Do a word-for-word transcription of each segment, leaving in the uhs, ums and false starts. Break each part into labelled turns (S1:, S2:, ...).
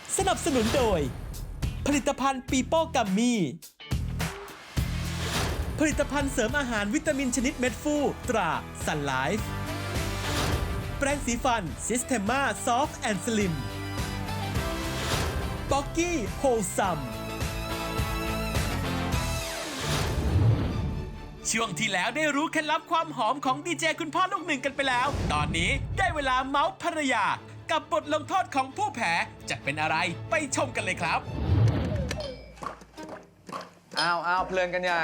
S1: สนับสนุนโดยผลิตภัณฑ์ปีโป้กัมมี่ผลิตภัณฑ์เสริมอาหารวิตามินชนิดเม็ดฟูตราซันไลฟ์แปรงสีฟันซิสเทมมาซอฟต์แอนด์สลิมป๊อกกี้โฮลซัมช่วงที่แล้วได้รู้เคล็ดลับความหอมของดีเจคุณพ่อลูกหนึ่งกันไปแล้วตอนนี้ได้เวลาเมาส์ภรรยากับบทลงโทษของผู้แพ้จะเป็นอะไรไปชมกันเลยครับ
S2: อ้าวอ้าวเพลินกันใหญ่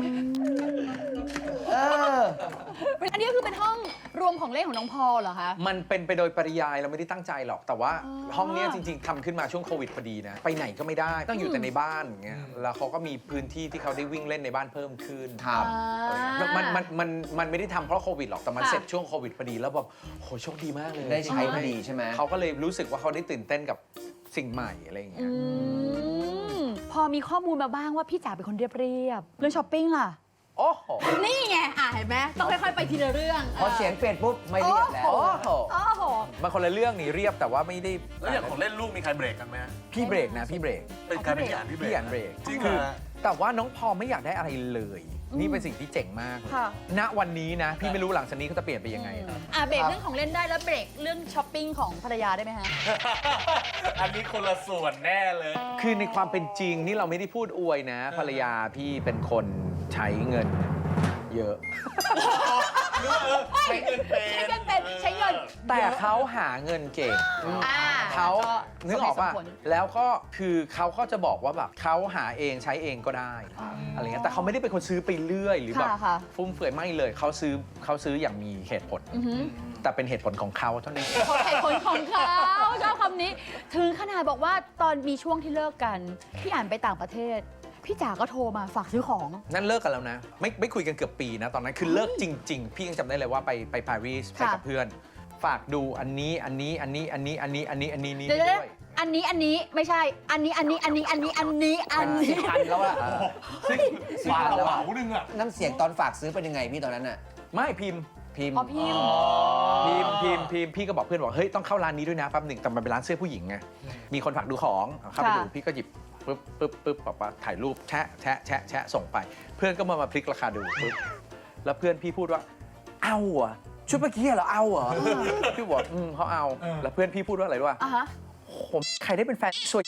S2: เออ
S3: อันนี้ก็คือเป็นห้องรวมของเล่นของน้องพอเหรอคะ
S2: มันเป็นไปโดยปริยายเราไม่ได้ตั้งใจหรอก แต่ว่าห้องเนี้ยจริงๆทำขึ้นมาช่วงโควิดพอดีนะ ไปไหนก็ไม่ได้ต้องอยู่แต่ในบ้านอย่างเงี้ยแล้วเขาก็มีพื้นที่ที่เขาได้วิ่งเล่นในบ้านเพิ่มขึ้น
S3: ครับ
S2: มันมันมันมันไม่ได้ทำเพราะโควิดหรอกแต่มัน
S3: ค่ะ
S2: เสร็จช่วงโควิดพอดีแล้วแบบโหโชคดีมากเลย
S4: ได้ใช้พอดีใช่ไหม
S2: เขาก็เลยรู้สึกว่าเขาได้ตื่นเต้นกับสิ่งใหม่อะไรอย่างเงี้ย
S3: อืมพอมีข้อมูลมาบ้างว่าพี่จ๋าเป็นคนเรียบเรียบๆเรื่องช้อปปิ้งล่ะ
S2: โอ้โห
S3: นี่ไงอ่ะเห็นไหมต้องค่อยๆไปทีละเรื่อง
S4: พอเสียงเปลี่ยนปุ๊บไม่เรียบแล้ว
S3: โอ้
S2: โอ้
S3: โห
S2: โห
S3: โอ้โห
S2: มันคนละเรื่องนี่เรียบแต่ว่าไม่ได้
S5: แล้วอย่างของเล่นลูกมีใครเบรกกันไหมฮะ
S2: พี่เบรกนะพี่เบรก
S5: เป็นการเป็นพี่อ่านที่เบรก
S2: พี่อ่านเบรก
S5: จริง
S2: คือ
S5: เหรอ
S2: แต่ว่าน้องพอไม่อยากได้อะไรเลย นี่เป็นสิ่งที่เจ๋งมากเลย
S3: ค่ะ
S2: ณวันนี้นะ พี่ไม่รู้หลังจากนี้เขาจะเปลี่ยนไปยังไง
S3: อ่ะเบรกเรื่องของเล่นได้แล้วเบรกเรื่องช้อปปิ้งของภรรยาได้ไหมฮะ
S5: อันนี้คนละส่วนแน่เลย
S2: คือในความเป็นจริงนี่เราไม่ได้พูดอวยนะ ภรรยาพี่เป็นคนใช้เงินเยอะ
S5: ใช้เงินเป็น
S3: ใช้เงินเป็นใช้เงิน
S2: แต่เขาหาเงินเก่ง
S3: อ่า
S2: เขานึกออกป่ะ
S3: สมเหตุสมผล
S2: แล้วก็คือเขาก็จะบอกว่าแบบเขาหาเองใช้เองก็ได้อะไรเงี้ยแต่เขาไม่ได้เป็นคนซื้อไปเรื่อยหรือแบบ
S3: ค่ะค่ะ
S2: ฟุ่มเฟือยไม่เลยเขาซื้อเขาซื้ออย่างมีเหตุผล
S3: อือหือ
S2: แต่เป็นเหตุผลของเขาเท่านั้น
S3: ขอเหตุผลของเขาชอบคำนี้ ถึงขนาดบอกว่าตอนมีช่วงที่เลิกกัน พี่อ่านไปต่างประเทศ พี่จ๋าก็โทรมาฝากซื้อของ
S2: นั่นเลิกกันแล้วนะ ไม่ไม่คุยกันเกือบปีนะ ตอนนั้นคือเลิกจริง ๆ พี่ยังจำได้เลยว่าไปไปปารีสไป
S3: ค่ะ
S2: กับเพื่อน ฝากดูอันนี้อันนี้อันนี้อันนี้อันนี้อันนี้อันนี้นี้
S3: เดี๋ยว
S2: ด้วย
S3: ๆอันนี้อันนี้ไม่ใช่ อันนี้อันนี้อันนี้อันนี้อันนี้อันนี้
S4: พันแล้วอะ
S5: ซึ่ง
S4: สิบ
S5: บาท
S4: พัน
S5: ก
S4: แล้ว
S5: ระ
S4: อะ
S5: เป๋าหนึงอ่ะ
S4: น้ำเสียงตอนฝากซื้อเป็นยังไงพี่ตอนนั้นอะ
S2: ไม่พิมพ์
S4: พิมพ์
S3: อ๋อพิมพ์
S2: พิมพ์พิมพ์พิมพ์พี่ก็บอกเพื่อนบอกเฮ้ยต้องเข้าร้านนี้ด้วยนะแป๊บหนึ่งแต่มันเป็นร้านเสื้อผู้หญิงไงมีคนฝากดูของเข้าไปดู
S3: ค่ะ
S2: พี่ก็หยิบปึ๊บปึ๊บปึ๊บบอกว่าถ่ายรูปแชะแชะแชะแชะส่งไป เพื่อนก็มามาพลิกราคาดูปึ๊บแล้วเพื่อนพี่พูดว่าเอาเหรอชุดเมื่อกี้เหรอเอาเหรอพี่บอกอืมเขาเอาแล้วเพื่อนพี่พูดว่าอะไรรู้ป่ะ
S3: อ่ะฮะ
S2: ผมใครได้เป็นแฟนสวย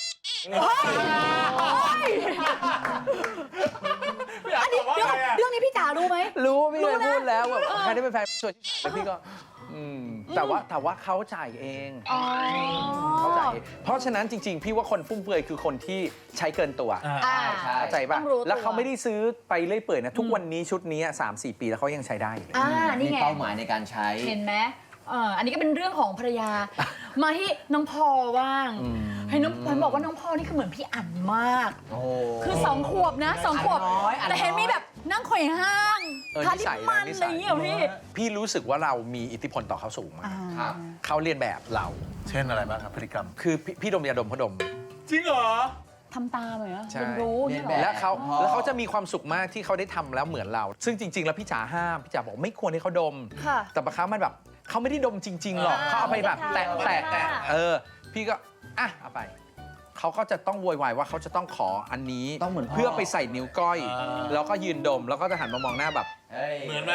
S3: อันนี้เรื่องเรื่องนี้พี่จ๋ารู้ไหม
S2: รู้พี่
S3: รู้
S2: เลย
S3: นะ
S2: พูดแล้วแบบใครได้เป็นแฟนสวยที่ไหนแล้วพี่ก็อืมแต่ว่าแต่ว่าเขาจ่ายเอง
S3: อ๋อ
S2: เขาจ่ายเองเพราะฉะนั้นจริง ๆ พี่ว่าคนฟุ่มเฟือยคือคนที่ใช้เกินตัว
S3: อ่า
S2: เข้าใจป่ะ
S3: ต้องรู้ตัว
S2: แล้วเขาไม่ได้ซื้อไปเรื่อยเปื่อยนะ ทุกวันนี้ชุดนี้สามสี่ปีแล้วเขายังใช้ได้อยู่เลย
S3: อ่า นี่
S4: มี
S3: ไง
S4: เป้าหมายในการใช้
S3: เห็นไหมเอ่ออันนี้ก็เป็นเรื่องของภรรยา มาที่น้องพอว่าง
S2: อืม
S3: ให้น้องพอบอกว่าน้องพอนี่คือเหมือนพี่อั๋นมาก
S4: โอ้โห
S3: คือสองขวบนะสองขวบ
S4: อั๋นน้อยอั๋นน้อย
S3: แต่เห็นมีแบบนั่งไขว่ห้าง
S2: เออ
S3: ทา
S2: นิ
S3: ลิป
S2: สัย
S3: มั
S2: นะ
S3: น
S2: นิ
S3: อะไร
S2: สั
S3: อย ย่างเงี้ยเหรอพี่
S2: พี่รู้สึกว่าเรามีอิทธิพลต่อเขาสูงมาก
S4: ครับ
S2: เขาเรียนแบบเรา
S5: เช่นอะไรบ้างครับพฤติกรรม
S2: คือพี่พี่ดมยาดมเขาดม
S5: จริงเหรอ
S3: ทำตามเลยนะ
S2: ใช่
S3: เรียนรู้
S4: เรี
S3: เนี่ย ย
S4: น
S3: เหร
S4: แบบ
S3: อ
S2: และเขา
S4: อ๋อ
S2: แล้วเขาจะมีความสุขมากที่เขาได้ทำแล้วเหมือนเรา ซึ่งจริง ๆ แล้วพี่จ๋าห้ามพี่จ๋าบอกไม่ควรให้เขาดม
S3: ค่ะ
S2: แต่บางครั้งมันแบบเขาไม่ได้ดมจริง ๆ หรอก
S3: อ่า
S2: เขาเอาไปแบบแตะ
S3: ไม่
S2: แตะ
S3: ได้
S2: แตะเออ พี่ก็อ่ะเอาไปเขาก็จะต้องโวยวายว่าเขาจะต้องขออันนี้
S4: ต้องเหมือนพ่อ
S2: เพื่อไปใส่นิ้วก้อย
S5: อ่า
S2: แล้วก็ยืนดมแล้วก็จะหันมามองหน้าแบบ
S5: เหมือนไหม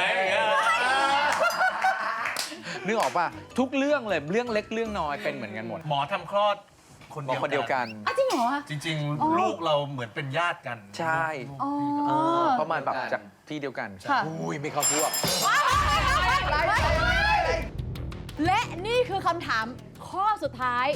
S2: นึกออกป่ะทุกเรื่องเลยเรื่องเล็กเรื่องน้อยเป็นเหมือนกันหมด
S5: หมอทำคลอดคน
S2: บอกคนเดียวกัน
S3: อ่ะจริงเหรอ
S5: จริง
S3: อ๋อ
S5: ๆ ลูกเราเหมือนเป็นญาติกัน
S2: ใช่
S3: อ๋อ
S2: เออเพราะมันแบบจากที่เดียวกัน
S3: ค่ะ
S2: อุ้ยไม่เข้าพวก
S3: และนี่คือคำถามข้อสุดท้าย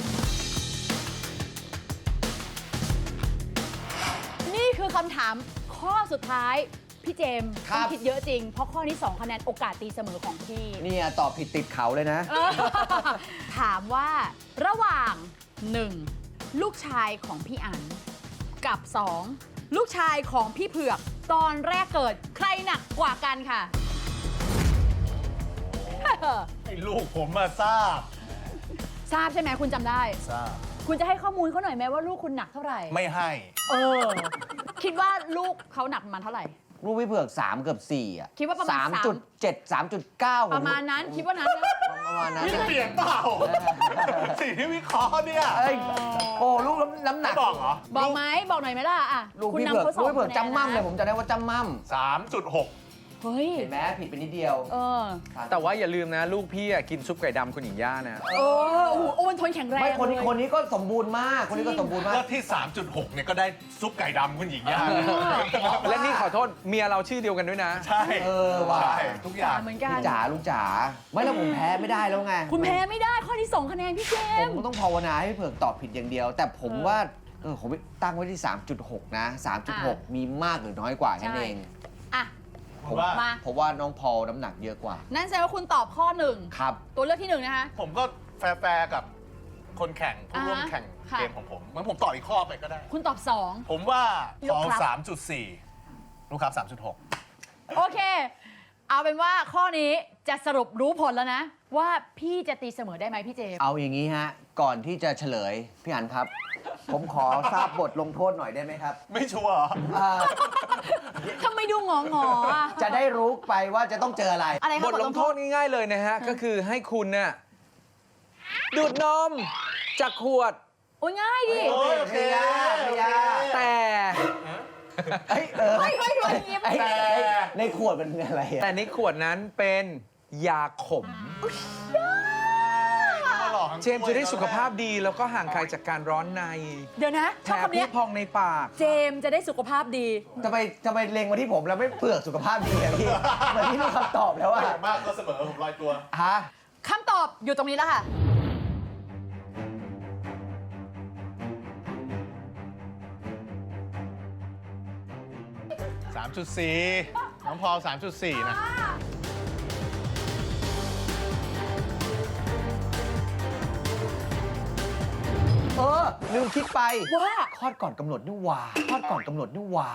S3: นี่คือคำถามข้อสุดท้าย พี่เจมส์
S4: ครั
S3: ต้อบ งคิดเยอะจริง เพราะข้อนี้สองคะแนนโอกาสตีเสมอของพี่
S4: เนี่ยตอบผิดติดเขาเลยนะ
S3: เออถามว่าระหว่าง หนึ่ง ลูกชายของพี่อั๋นกับ สอง ลูกชายของพี่เผือกตอนแรกเกิดใครหนักกว่ากันค่ะ
S5: ไอ้ลูกผมมาทราบ
S3: ทราบใช่ไหมคุณจำได้
S5: ทราบ
S3: คุณจะให้ข้อมูลเขาหน่อยไหมว่าลูกคุณหนักเท่าไหร่
S5: ไม่ให้
S3: เออ คิดว่าลูกเขาหนักประมาณเท่าไหร่
S4: ลูกพี่เผือกสามเกือบสี่อ่ะ
S3: คิดว่าประมาณ
S4: สามจุดเจ็ด สามจุดเก้า
S3: ประมาณนั้นคิดว่านั้นนะ
S4: เอประมาณนั้น
S5: นี่เปลี่ยนเปล่า สิ่งที่วิเคราะห์เนี่ย
S4: เอ้ยโอ้ลูกน้ำหนั
S5: ไม่
S4: ก
S5: บอกเหรอ
S3: บอกไหมบอกหน่อยไหมล่ะอ่ะ
S4: ลูก
S3: คุณ
S4: พี่
S3: นำ
S4: เผือก
S3: เขาส
S4: ลู
S3: อก ง
S4: พี่เผือก
S3: คะแนน
S4: จำมั่มเลย
S3: นะ
S4: ผมจำได้ว่าจำมั่ม
S5: สามจุดหก
S3: เฮ้ย
S4: เห็นไหมผิดไปนิดเดียว
S3: เออ
S2: แต่ว่าอย่าลืมนะลูกพี่อะกินซุปไก่ดำคุณหญิงย่านะ
S3: เออโอ้โหโอ้มันทนแข็งแรง
S4: ไม่คนนี้
S3: เลย
S4: คนนี้ก็สมบูรณ์มาก คนนี้ก็สมบูรณ์มาก
S5: ก็ที่ สามจุดหก เนี่ยก็ได้ซุปไก่ดำคุณหญิงย่า
S2: และนี่ขอโทษเมียเราชื่อเดียวกันด้วยนะ
S5: ใช่
S4: เออว่ะ
S5: ใช่ทุกอย่าง
S3: เหมือนกั
S4: ลู
S3: น
S4: กจ๋าลูกจ๋าไม่แล้วผมแพ้ไม่ได้แล้วไง
S3: คุณแพ้ไม่ได้ข้อที่สองคะแนนพี่เจ
S4: ผม
S3: มส์
S4: ต้องภาวนาให้พี่เผือกตอบผิดอย่างเดียว แต่ผม
S3: เออ
S4: ว่าเออผมตั้งไว้ที่ สามจุดหก นะ สามจุดหก มีมากหรือน้อยกว่าแค่นั้นเอง
S3: อ่ะ
S4: ผม
S5: ว่า
S3: มา
S4: ผมว่าน้องพอลน้ำหนักเยอะกว่า
S3: นั่นแสดงว่าคุณตอบข้อหนึ่ง
S4: ครับ
S3: ตัวเลือกที่หนึ่งนะคะ
S5: ผมก็แฟร์ๆกับคนแข่งผู้ร่วม
S3: อ่าฮะ
S5: แข่ง
S3: ค่ะ
S5: เกมของผมงั้นผมต่ออีกข้อไปก็ได้
S3: คุณตอบสอง
S5: ผมว่า
S3: ลูก
S5: ฟอล
S3: ครับ
S5: สามจุดสี่ลูกครับสามจุดหก
S3: โอเค เอาเป็นว่าข้อนี้จะสรุปรู้ผลแล้วนะ ว่าพี่จะตีเสมอได้ไหมพี่เจมส์
S4: เอาอย่างนี้ฮะ ก่อนที่จะเฉลย พี่อันครับ ผมขอทราบบทลงโทษหน่อยได้ไหมครับ
S5: ไม่ชัวร์เหรอ
S4: อ่า
S3: ทำไมดูงองอๆอ่ะ
S4: จะได้รู้ไปว่าจะต้องเจออะไร
S3: อะไรคะ
S2: บทลงโทษง่ายๆเลยนะฮะ ก็คือให้คุณน่ะดูดนมจากขวด
S3: โอ้ยง่ายดิ
S5: โอ้ยโอเค
S4: ไม่ยากไม่ยาก
S2: แต่
S4: เอ้ยเออ
S3: เฮ้ยเฮ้ยเฮ้ยยิ้ม
S4: ไอ้ไอ้ในขวดมันอะไรอะ
S2: แต่ในขวดนั้นเป็นยาขม
S5: มาหลอกทั้ง
S2: เจมส์จะได้สุขภาพดีแล้วก็ห่างไกลจากการร้อนใน
S3: เดี๋ยวนะช
S2: แถ
S3: อบ
S2: ม
S3: คำ
S2: ที่
S3: เนี้ย
S2: พองในปาก
S3: เจมส์จะได้สุขภาพดี
S4: ทำไมทำไมเล็งมาที่ผมแล้วไม่เปลือกสุขภาพดีอะพี่เหมือนที่รู้คำตอบแล้ว
S5: ไม่
S4: อะ
S5: อย่างมากก็เสมอผมลอยตัว
S4: ฮะ
S3: คำตอบอยู่ตรงนี้แล้วค่ะ
S5: สามจุดสี่ น้องพอลสามจุดสี่ นะ
S4: เออลืมคิดไป
S3: ว่า
S4: คลอดก่อนกำหนดนี่หว่าคลอดก่อนกำหนดนี่หว่า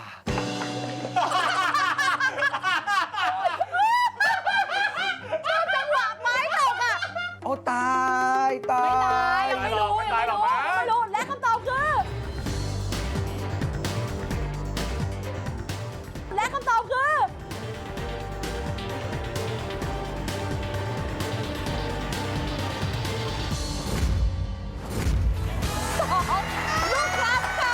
S3: จังหวะไม้ตกอ่ะ
S4: โอ้ตายตาย
S3: ไม่ตายยังไม่รู้
S5: ไม่
S3: ยัง
S5: ตาย
S3: ไม่
S5: หรอก
S3: รู้
S5: มั้ง
S3: ยังไม่รู้และคำตอบคือ และคำตอบคือสองลูกครับค่ะ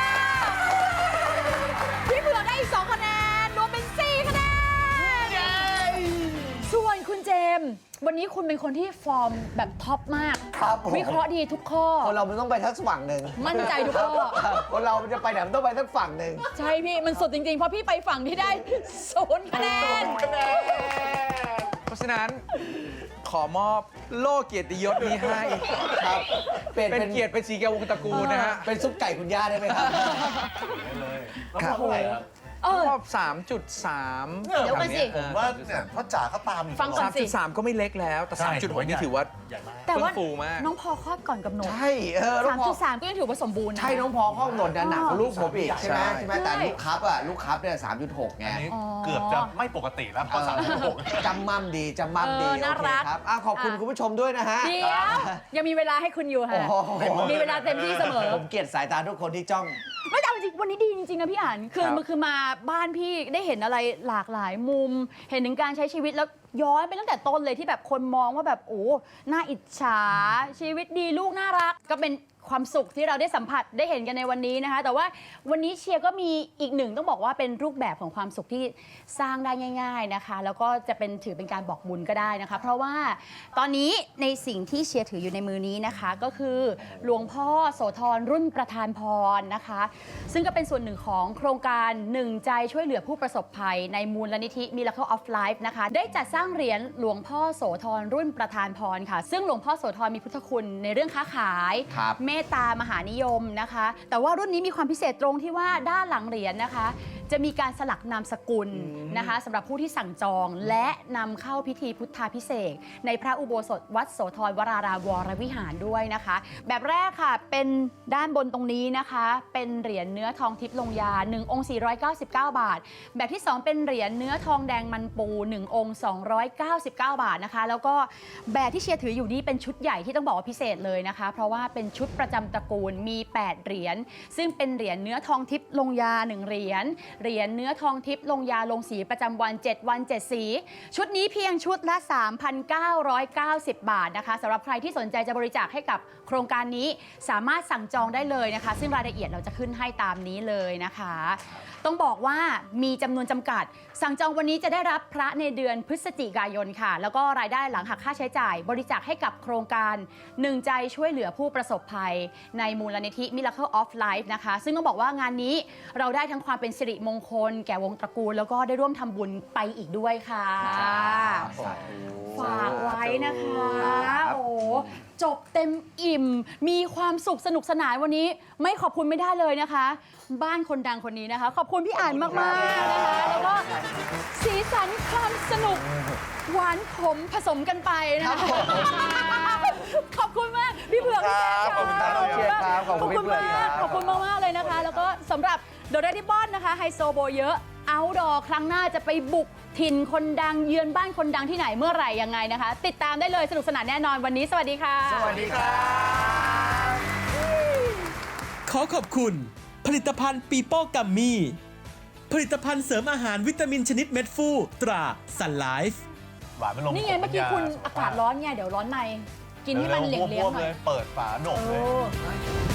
S3: พี่เผือกได้อีกสองคะแนนรวมเป็นสี่คะแนนส่วนคุณเจมส์วันนี้คุณเป็นคนที่ฟอร์มแบบท็อปมาก
S4: ครับผม
S3: วิเคราะห์ดีทุกข้อ
S4: คนเรามันต้องไปทั้งฝั่งหนึ่ง
S3: มั่นใจทุกข้อ
S4: คนเรามันจะไปไหนมันต้องไปทั้งฝั่งหนึ่ง
S3: ใช่พี่ มันสุดจริงๆ เพราะพี่ไปฝั่งที่ได้ศูนย์คะแนน
S2: เพราะฉะนั้นขอมอบโล่เกียรติยศนี้ให้
S4: ครับเป็น
S2: เป็น
S4: เป็น
S2: เกียรติเป็นสีแก้ววงศ์ตระกูลนะฮะ
S4: เป็นซุปไก่คุณย่าได้ไหมครับ
S5: น้องพอลเท่าไหร่ครับ
S3: เออ
S2: รอบ สามจุดสาม
S3: เดี๋ยวก่อนสิ
S5: ผมว่าเนี่ยพ่อจ๋าเขาตามอยู่
S3: ฟังก่อน
S2: สามจุดสามก็ไม่เล็กแล้ว แต่
S5: ใช่
S2: สามจุดหกนี่ถือว่า
S5: ใหญ่มาก
S3: แต่ว่า
S2: เฟื่องฟูมาก
S3: น้องพอคลอดก่อนกำหนด
S4: ใช่เออน้อ
S3: สาง ม
S4: พอ
S3: จุดสามก็ยังถือว่าสมบูรณ์นะ
S4: ใช่น้องพอข้องหนดนะหนักกว่าลูกผมอีกใช่ไหม
S2: ใช่
S4: ใช่ไหมแต่ลูกครับอะลูกครับเนี่ยสามจุดหกไง
S5: อันนี้
S3: อ๋อ
S5: เกือบจะไม่ปกติแล้วพอสามจุดหก
S4: จำมั่มดีจำมั่มดี
S3: เออน่า
S4: โอเค
S3: รัก
S4: ครับอ่ะขอบคุณ
S3: อ่ะ
S4: คุณผู้ชมด้วยนะฮะ
S3: เดี๋ยวยังมีเวลาให้คุณอยู่ค่ะ
S4: โอ้โห
S3: มีเวลาเต็มที่เสมอ
S4: ผมเกลียดสายตาทุกคนที่จ้อง
S3: ไม่แต่เอาจริงวันนี้ดีจริงๆนะพี่อ่านคือ
S2: ครับ
S3: มันคือมาบ้านพี่ได้เห็นอะไรหลากหลายมุม เห็นถึงการใช้ชีวิตแล้วย้อนไปตั้งแต่ต้นเลยที่แบบคนมองว่าแบบโอ้น่าอิจฉาชีวิตดีลูกน่ารัก ก็เป็นความสุขที่เราได้สัมผัสได้เห็นกันในวันนี้นะคะ แต่ว่าวันนี้เชียร์ก็มีอีกหนึ่งต้องบอกว่าเป็นรูปแบบของความสุขที่สร้างได้ง่าย ๆนะคะ แล้วก็จะเป็นถือเป็นการบอกบุญก็ได้นะคะ เพราะว่าตอนนี้ในสิ่งที่เชียร์ถืออยู่ในมือนี้นะคะ ก็คือหลวงพ่อโสธรรุ่นประธานพรนะคะ ซึ่งก็เป็นส่วนหนึ่งของโครงการหนึ่งใจช่วยเหลือผู้ประสบภัยในมูลนิธิ Miracle of Life นะคะ ได้จัดสร้างเหรียญหลวงพ่อโสธรรุ่นประธานพรค่ะ ซึ่งหลวงพ่อโสธรมีพุทธคุณในเรื่องค้าขาย
S4: ครับ
S3: เมตตามหานิยมนะคะ แต่ว่ารุ่นนี้มีความพิเศษตรงที่ว่าด้านหลังเหรียญนะคะ จะมีการสลักนามสกุลนะคะสำหรับผู้ที่สั่งจองและนำเข้าพิธีพุทธาพิเศษกในพระอุโบสถวัดโสธรวรารามวรวิหารด้วยนะคะ แบบแรกค่ะเป็นด้านบนตรงนี้นะคะ เป็นเหรียญเนื้อทองทิพย์ลงยาหนึ่งองค์สี่ร้อยเก้าสิบเก้าบาท แบบที่สองเป็นเหรียญเนื้อทองแดงมันปูหนึ่งองค์สองร้อยเก้าสิบเก้าบาทนะคะ แล้วก็แบบที่เชียร์ถืออยู่นี้เป็นชุดใหญ่ที่ต้องบอกว่าพิเศษเลยนะคะ เพราะว่าเป็นชุดประจำตระกูลมีแปดเหรียญซึ่งเป็นเหรียญเนื้อทองทิพย์ลงยาหนึ่งเหรียญเหรียญเนื้อทองทิพย์ลงยาลงสีประจำวัน เจ็ด วัน เจ็ด สี ชุดนี้เพียงชุดละ สามพันเก้าร้อยเก้าสิบ บาทนะคะสำหรับใครที่สนใจจะบริจาคให้กับโครงการนี้สามารถสั่งจองได้เลยนะคะ ซึ่งรายละเอียดเราจะขึ้นให้ตามนี้เลยนะคะ ต้องบอกว่ามีจำนวนจำกัด สั่งจองวันนี้จะได้รับพระในเดือนพฤศจิกายนค่ะ แล้วก็รายได้หลังหักค่าใช้จ่าย บริจาคให้กับโครงการหนึ่งใจช่วยเหลือผู้ประสบภัย ในมูลนิธิ Miracle of Life นะคะ ซึ่งต้องบอกว่างานนี้เราได้ทั้งความเป็นสิริมงคล แก่วงตระกูล แล้วก็ได้ร่วมทำบุญไปอีกด้วยค่ะ ฝากไว้นะคะ โอ้จบเต็มอิ่ม มีความสุขสนุกสนานวันนี้ ไม่ขอบคุณไม่ได้เลยนะคะ บ้านคนดังคนนี้นะคะ ขอบคุณพี่อ่านมากๆนะคะ แล้วก็สีสันความสนุก หวานขมผสมกันไปนะคะ ขอบคุณมาก พี่เผือกพี่แจ๊ค
S5: ขอบคุณครับ
S3: ขอบคุณมาก
S4: ขอบคุณพี่เผือกครับ
S3: ขอบคุณมากๆเลยนะคะ แล้วก็สำหรับโดราดิบอนนะคะไฮโซโบเยอะเอาดอครั้งหน้าจะไปบุกถิ่นคนดังเยือนบ้านคนดังที่ไหนเมื่อไหร่ยังไงนะคะ ติดตามได้เลยสนุกสนานแน่นอนวันนี้สวัสดีค่ะ
S4: สวัสดีครับ
S1: ขอขอบคุณ ผลิตภัณฑ์ปีโป้กัมมี่ผลิตภัณฑ์เสริมอาหารวิตามินชนิดเม็ดฟูตราซันไลฟ์
S5: หวานไม่ลง
S3: นี่ไงเมื่อกี้คุณอากาศร้อนไงเดี๋ยวร้อนในกินให้มันเหลียงๆหน่อย
S5: เปิดฝาโหนกเลย
S3: เออ